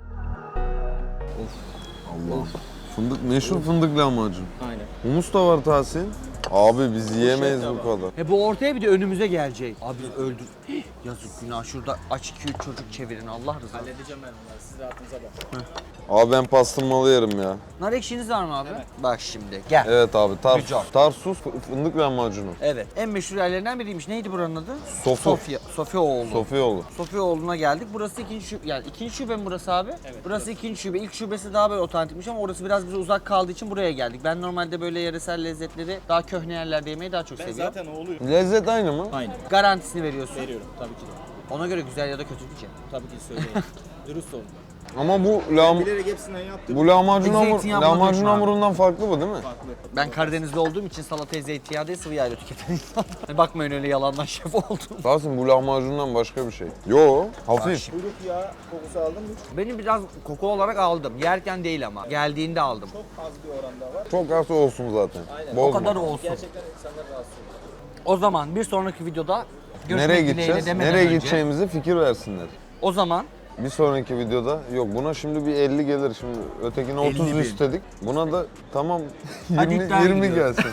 Speaker 2: Allah. Fındık, meşhur fındık lahmacun.
Speaker 1: Aynen.
Speaker 2: Humus da var Tahsin. Abi biz yiyemeyiz bu kadar.
Speaker 1: Bu ortaya bir de önümüze gelecek. Abi biz öldür. Yazık günah, şurada aç 2-3 çocuk çevirin Allah rızası.
Speaker 5: Halledeceğim ben onları. Siz rahatınıza bakın.
Speaker 2: Abi ben pastırmalı yerim ya.
Speaker 1: Nar ekşiniz var mı abi? Bak şimdi gel.
Speaker 2: Evet abi,
Speaker 1: Güzel.
Speaker 2: Tarsus fındık lahmacunu.
Speaker 1: Evet. En meşhur yerlerinden biriymiş. Neydi buranın adı?
Speaker 2: Sofu.
Speaker 1: Sofyaoğlu.
Speaker 2: Sofyaoğlu.
Speaker 1: Sofyaoğlu'na geldik. Burası ikinci şube. Yani ikinci şube mi burası abi? Evet. Burası ikinci şube. İlk şubesi daha böyle otantikmiş ama orası biraz bize uzak kaldığı için buraya geldik. Ben normalde böyle yöresel lezzetleri daha köhne yerlerde yemeyi daha çok
Speaker 5: Ben
Speaker 1: seviyorum.
Speaker 5: zaten oğluyum.
Speaker 2: Lezzet aynı mı?
Speaker 5: Aynı.
Speaker 1: Garantisini veriyorsun.
Speaker 5: Veriyorum tabii ki de.
Speaker 1: Ona göre güzel ya da kötü diyeceğim.
Speaker 5: Tabii ki söyleyeyim. Dürüst olun.
Speaker 2: Ama bu
Speaker 5: Bilerek hepsinden yaptım.
Speaker 2: bu lahmacun,
Speaker 1: Zeytinyağı
Speaker 2: lahmacun
Speaker 1: bulundurma abi.
Speaker 2: hamurundan farklı bu değil mi?
Speaker 5: Farklı.
Speaker 1: Ben Karadenizli olduğum için salatayı zeytinyağı değil sıvı yağıyla tüketen insanlar. Bakmayın öyle yalandan şef oldum.
Speaker 2: Tahsin bu lahmacundan başka bir şey. Yo, hafif.
Speaker 5: Kuyruk yağı kokusu aldın mı?
Speaker 1: Benim biraz koku olarak aldım. Yerken değil ama. Geldiğinde aldım.
Speaker 5: Çok az bir oranda var.
Speaker 2: Çok az olsun zaten.
Speaker 5: Aynen.
Speaker 2: Bozma.
Speaker 1: O kadar olsun.
Speaker 5: Gerçekten insanları rahatsız ediyor.
Speaker 1: O zaman bir sonraki videoda görüşmek
Speaker 2: Nereye
Speaker 1: dileğiyle
Speaker 2: gideceğiz?
Speaker 1: demeden
Speaker 2: Nereye
Speaker 1: önce-
Speaker 2: gideceğimize fikir versinler.
Speaker 1: O zaman
Speaker 2: Bir sonraki videoda yok buna şimdi bir 50 gelir şimdi ötekine 30
Speaker 1: 50.000.
Speaker 2: istedik. Buna da tamam
Speaker 1: Hadi
Speaker 2: 20,
Speaker 1: iddiaya
Speaker 2: 20
Speaker 1: gidiyoruz.
Speaker 2: gelsin.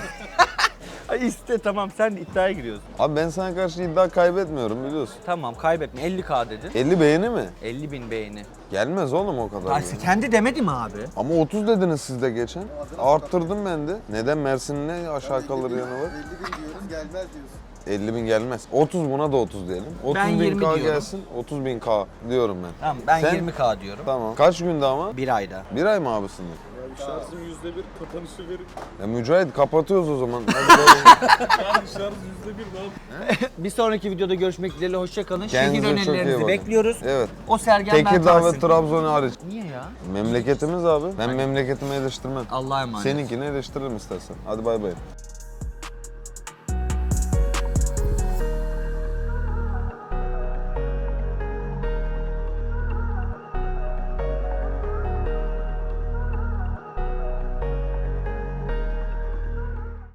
Speaker 1: Ay iste tamam sen iddiaya giriyorsun.
Speaker 2: Abi ben sana karşı iddia kaybetmiyorum biliyorsun.
Speaker 1: Tamam kaybetme 50K dedin.
Speaker 2: 50 beğeni mi?
Speaker 1: 50.000 beğeni.
Speaker 2: Gelmez oğlum o kadar.
Speaker 1: Ay,
Speaker 2: ya.
Speaker 1: kendi demedi mi abi?
Speaker 2: Ama 30 dediniz siz de geçen. Arttırdım ben de. Neden Mersin'in ne aşağı kalır yanı var?
Speaker 3: 50 bin diyorum gelmez diyorsun.
Speaker 2: 50 bin gelmez. 30 buna da 30 diyelim. 30
Speaker 1: Ben
Speaker 2: bin
Speaker 1: 20
Speaker 2: K
Speaker 1: diyorum.
Speaker 2: gelsin. 30 bin K diyorum ben.
Speaker 1: Tamam ben
Speaker 2: Sen-
Speaker 1: 20K diyorum.
Speaker 2: Tamam. Kaç günde ama?
Speaker 1: Bir ayda.
Speaker 2: Bir ay mı abisinde?
Speaker 4: Şarjım %1, kapanışı verin.
Speaker 2: Ya Mücahit kapatıyoruz o zaman. Hadi
Speaker 4: Yani şarj %1 ne yap?
Speaker 1: Bir sonraki videoda görüşmek dileğiyle hoşça kalın. Şehir
Speaker 2: Kendinize çok iyi
Speaker 1: önerilerinizi
Speaker 2: bakın.
Speaker 1: bekliyoruz.
Speaker 2: Evet.
Speaker 1: O Sergen ben
Speaker 2: Tekirdağ ve
Speaker 1: Tahsin.
Speaker 2: Trabzon hariç.
Speaker 1: Niye ya?
Speaker 2: Memleketimiz abi. Ben memleketimi eleştirmem.
Speaker 1: Allah'a emanet.
Speaker 2: Seninkini eleştiririm istersen. Hadi bay bay.